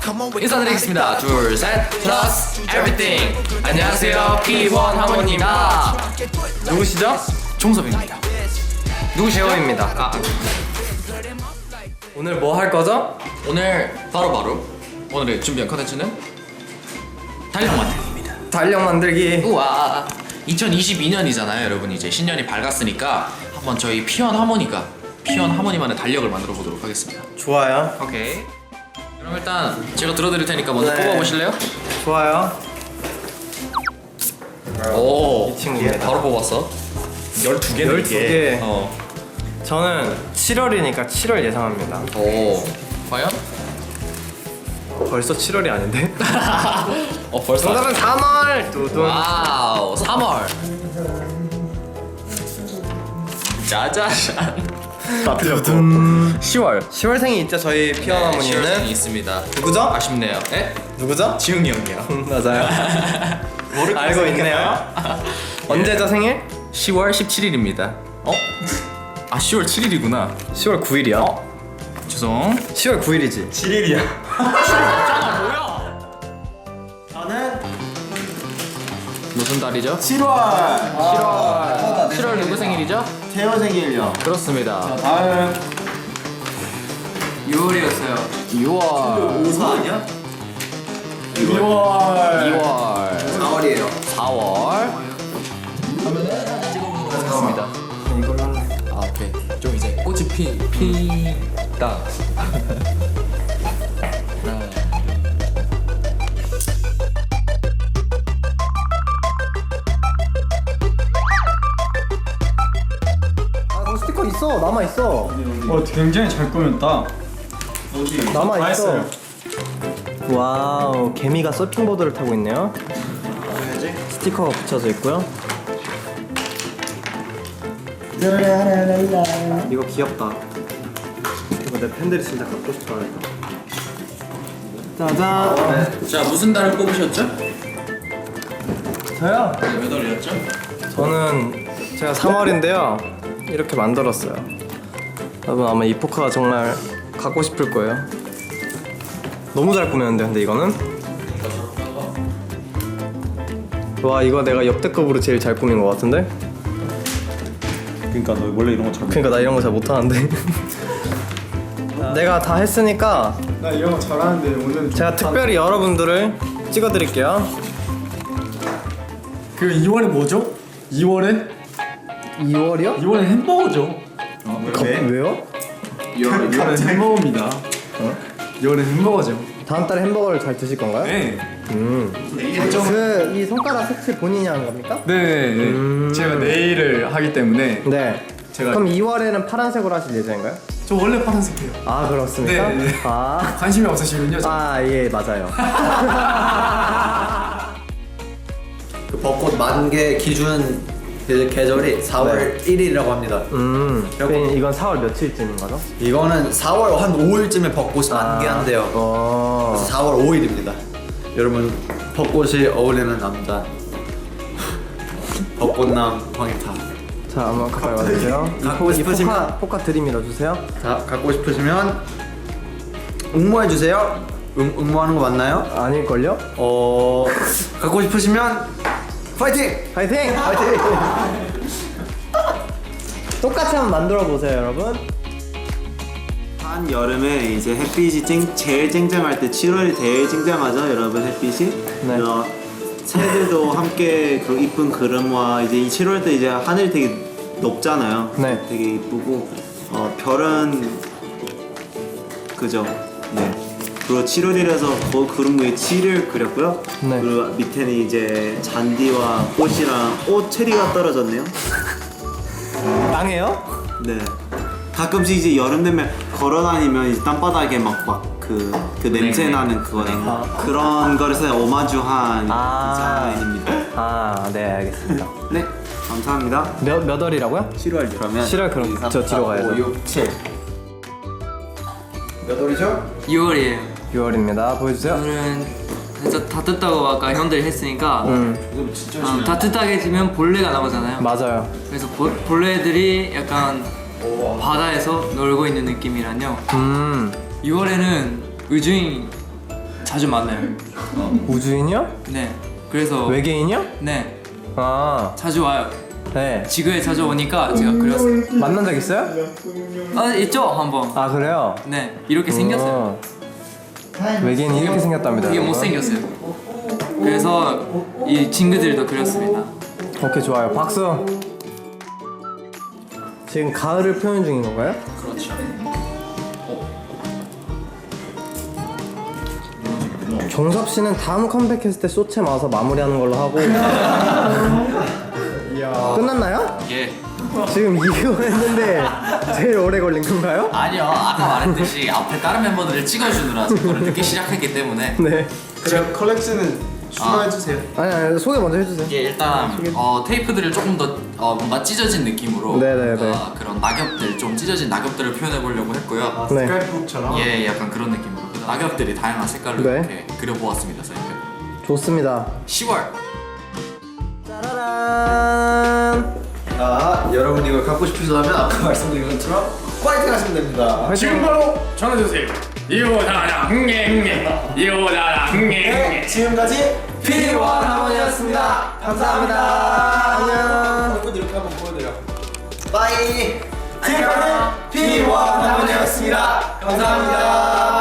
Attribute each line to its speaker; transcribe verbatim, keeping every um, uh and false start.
Speaker 1: 인사드리겠습니다. 둘, 셋, 플러스 에브리띵. 안녕하세요, 피원 하모니입니다. 누구시죠?
Speaker 2: 종섭입니다.
Speaker 1: 누구 재원입니다. 아, 오늘 뭐 할 거죠?
Speaker 2: 오늘 바로바로 오늘의 준비한 컨텐츠는 달력 만들기입니다.
Speaker 1: 달력 만들기.
Speaker 2: 우와, 이천이십이 년이잖아요 여러분. 이제 신년이 밝았으니까 한번 저희 피원 하모니가 피원 하모니만의 달력을 만들어 보도록 하겠습니다.
Speaker 1: 좋아요.
Speaker 2: 오케이. 그럼 일단 제가 들어드릴 테니까 먼저
Speaker 1: 네.
Speaker 2: 뽑아보실래요?
Speaker 1: 좋아요.
Speaker 2: 오,
Speaker 1: 이 친구입니다.
Speaker 2: 바로 뽑았어. 열두 개네
Speaker 1: 열두 개.
Speaker 2: 어.
Speaker 1: 저는 칠월이니까 칠월 예상합니다.
Speaker 2: 오, 과연?
Speaker 1: 벌써 칠월이 아닌데?
Speaker 2: 어, 벌써.
Speaker 1: 정답은 삼월. 두둥.
Speaker 2: 와우, 삼월. 짜자잔.
Speaker 1: 시월. 시월생이 있죠 저희 피원
Speaker 2: 네,
Speaker 1: 어머니는.
Speaker 2: 시월생이 있습니다.
Speaker 1: 누구죠?
Speaker 2: 아쉽네요. 에?
Speaker 1: 누구죠?
Speaker 2: 지웅이 형이요.
Speaker 1: 맞아요. 알고 있네요. 언제죠 생일?
Speaker 2: 시월 십칠일입니다. 어? 아, 시월 칠일이구나.
Speaker 1: 시월 구일이야.
Speaker 2: 죄송.
Speaker 1: 시월 구일이지.
Speaker 3: 칠일이야.
Speaker 2: 잖아 뭐야?
Speaker 3: 저는
Speaker 2: 무슨 달이죠?
Speaker 3: 칠월. 칠월.
Speaker 2: 칠월 누구 생일이죠?
Speaker 3: 태호 생일이요.
Speaker 2: 그렇습니다.
Speaker 3: 다음
Speaker 1: 유월이었어요.
Speaker 2: 유월.
Speaker 3: 오사 아니야?
Speaker 2: 이월.
Speaker 3: 이월.
Speaker 2: 이월.
Speaker 3: 사월이에요.
Speaker 2: 사월. 그렇습니다.
Speaker 1: 이걸로 할래.
Speaker 2: 아, 오케이. 좀 이제 꽃이 피 피다. 하나.
Speaker 1: 아, 그 스티커 있어. 남아 있어.
Speaker 3: 어, 굉장히 잘 꾸몄다. 어디?
Speaker 1: 남아
Speaker 3: 다
Speaker 1: 있어.
Speaker 3: 했어요.
Speaker 1: 와우, 개미가 서핑보드를 타고 있네요.
Speaker 3: 해야지.
Speaker 1: 스티커가 붙여져 있고요. 이거 귀엽다. 이거 내 팬들이 진짜 갖고 싶어하겠다. 짜잔.
Speaker 2: 자, 무슨 달을 뽑으셨죠?
Speaker 1: 저요?
Speaker 2: 네, 몇 월이었죠?
Speaker 1: 저는 제가 삼월인데요. 이렇게 만들었어요. 여러분 아마 이 포카가 정말 갖고 싶을 거예요. 너무 잘 꾸몄는데 근데 이거는? 와, 이거 내가 역대급으로 제일 잘 꾸민 것 같은데?
Speaker 3: 그러니까 너 원래 이런 거 잘.
Speaker 1: 그러니까 나 이런 거 잘 못하는데. 내가 다 했으니까
Speaker 3: 나 이런 거 잘하는데 오늘
Speaker 1: 제가 특별히 여러분들을 찍어드릴게요.
Speaker 4: 그 이월에 뭐죠? 이월에?
Speaker 1: 이월이요?
Speaker 4: 이월에 햄버거죠.
Speaker 3: 왜?
Speaker 1: 왜요?
Speaker 4: 이월에 햄버거입니다. 어? 이월에 햄버거죠.
Speaker 1: 다음 달에 햄버거를 잘 드실 건가요?
Speaker 4: 네.
Speaker 1: 음. 그 이 손가락 색칠 본인이 하는 겁니까?
Speaker 4: 네. 네.
Speaker 1: 음.
Speaker 4: 제가 네일을 하기 때문에
Speaker 1: 네.
Speaker 4: 제가-
Speaker 1: 그럼 이월에는 파란색으로 하실 예정인가요?
Speaker 4: 저 원래 파란색이에요.
Speaker 1: 아, 그렇습니까?
Speaker 4: 네, 네.
Speaker 1: 아,
Speaker 4: 관심이 없으시군요. 저.
Speaker 1: 아, 예, 맞아요.
Speaker 5: 그 벚꽃 만개 기준 그 계절이 사월 일일이라고 합니다.
Speaker 1: 음. 그럼 이건 사월 며칠쯤인 거죠?
Speaker 5: 이거는 사월 한 오일쯤에 벚꽃이 만개한대요.
Speaker 1: 어.
Speaker 5: 그래서 사월 오일입니다. 여러분 벚꽃이 어울리는 남자 벚꽃남 황희타.
Speaker 1: 자, 한번 가까이 와주세요. 이
Speaker 5: 갖고
Speaker 1: 포- 이
Speaker 5: 싶으시면-
Speaker 1: 포카, 포카 드림 밀어주세요.
Speaker 5: 자 갖고 싶으시면 응모해 주세요. 응, 응모하는 거 맞나요?
Speaker 1: 아닐걸요?
Speaker 5: 어 갖고 싶으시면 파이팅!
Speaker 1: 파이팅! 파이팅! 똑같이 한번 만들어 보세요, 여러분.
Speaker 6: 한 여름에 이제 햇빛이 쨍, 제일 쨍쨍할 때 칠월이 제일 쨍쨍하죠 여러분 햇빛이.
Speaker 1: 네.
Speaker 6: 어, 새들도 함께 그 이쁜 그림과 이제 이 칠월 때 이제 하늘이 되게 높잖아요.
Speaker 1: 네.
Speaker 6: 되게 이쁘고 어, 별은 그죠. 네. 그리고 칠월이라서 그 그림 위에 칠을 그렸고요.
Speaker 1: 네.
Speaker 6: 그리고 밑에는 이제 잔디와 꽃이랑 오 체리가 떨어졌네요.
Speaker 1: 땅이에요?
Speaker 6: 네. 가끔씩 이제 여름 되면 걸어다니면 이제 땅바닥에 막 막 그 그 냄새 나는 그거 그런 거에서 오마주한
Speaker 1: 아.
Speaker 6: 디자인입니다.
Speaker 1: 아, 네, 알겠습니다.
Speaker 6: 네, 감사합니다.
Speaker 1: 몇, 몇 월이라고요?
Speaker 5: 칠월 그러면
Speaker 1: 칠월 그럼 저 뒤로 가야죠.
Speaker 5: 오, 육, 칠. 몇 월이죠?
Speaker 7: 유월이에요.
Speaker 1: 유월입니다. 보여주세요.
Speaker 7: 오늘은 진짜 다 뜯다고 아까 형들이 했으니까
Speaker 1: 음,
Speaker 7: 음, 다 뜯다게 되면 벌레가 나오잖아요.
Speaker 1: 맞아요.
Speaker 7: 그래서 보, 벌레들이 약간 바다에서 놀고 있는 느낌이라뇨.
Speaker 1: 음,
Speaker 7: 유월에는 우주인 자주 만나요.
Speaker 1: 우주인이요?
Speaker 7: 네. 그래서
Speaker 1: 외계인이요?
Speaker 7: 네
Speaker 1: 아,
Speaker 7: 자주 와요.
Speaker 1: 네.
Speaker 7: 지구에 자주 오니까 제가 그렸어요.
Speaker 1: 만난 적 있어요?
Speaker 7: 아 있죠 한번.
Speaker 1: 아, 그래요?
Speaker 7: 네 이렇게 생겼어요.
Speaker 1: 어. 외계인이 이렇게 생겼답니다.
Speaker 7: 되게
Speaker 1: 여러분.
Speaker 7: 못생겼어요. 그래서 이 친구들도 그렸습니다.
Speaker 1: 오케이, 좋아요. 박수. 지금 가을을 표현 중인 건가요?
Speaker 2: 그렇죠.
Speaker 1: 종섭 씨는 다음 컴백했을 때 소체 마서 마무리하는 걸로 하고. 끝났나요?
Speaker 2: 예.
Speaker 1: 지금 이거 했는데 제일 오래 걸린 건가요?
Speaker 2: 아니요. 아까 말했듯이 앞에 다른 멤버들을 찍어주느라 그걸 늦게 시작했기 때문에.
Speaker 1: 네.
Speaker 4: 그럼 컬렉션은 추가해주세요.
Speaker 1: 아니, 아니 소개 먼저 해주세요.
Speaker 2: 이게 일단 어, 테이프들을 조금 더 어, 뭔가 찢어진 느낌으로
Speaker 1: 네네네.
Speaker 2: 어, 그런 낙엽들 좀 찢어진 낙엽들을 표현해 보려고 했고요.
Speaker 1: 네.
Speaker 4: 스크랩북처럼.
Speaker 2: 예, 약간 그런 느낌으로 그 낙엽들이 다양한 색깔로
Speaker 1: 네.
Speaker 2: 이렇게 그려보았습니다. 저희가
Speaker 1: 좋습니다.
Speaker 2: 시월
Speaker 1: 짜라란.
Speaker 5: 아, 여러분 이걸 갖고 싶으시다면 아까 말씀드린 것처럼 파이팅 하시면 됩니다.
Speaker 4: 지금 바로 전화주세요. 이오다라 흥nghe 흥nghe 이오다라 흥nghe 흥nghe.
Speaker 5: 지금까지
Speaker 1: 피원 하모니였습니다. 감사합니다. 안녕.
Speaker 5: 여러분 이렇게 한번 보여드려. 빠이. 지금까지 피원 하모니였습니다. 감사합니다.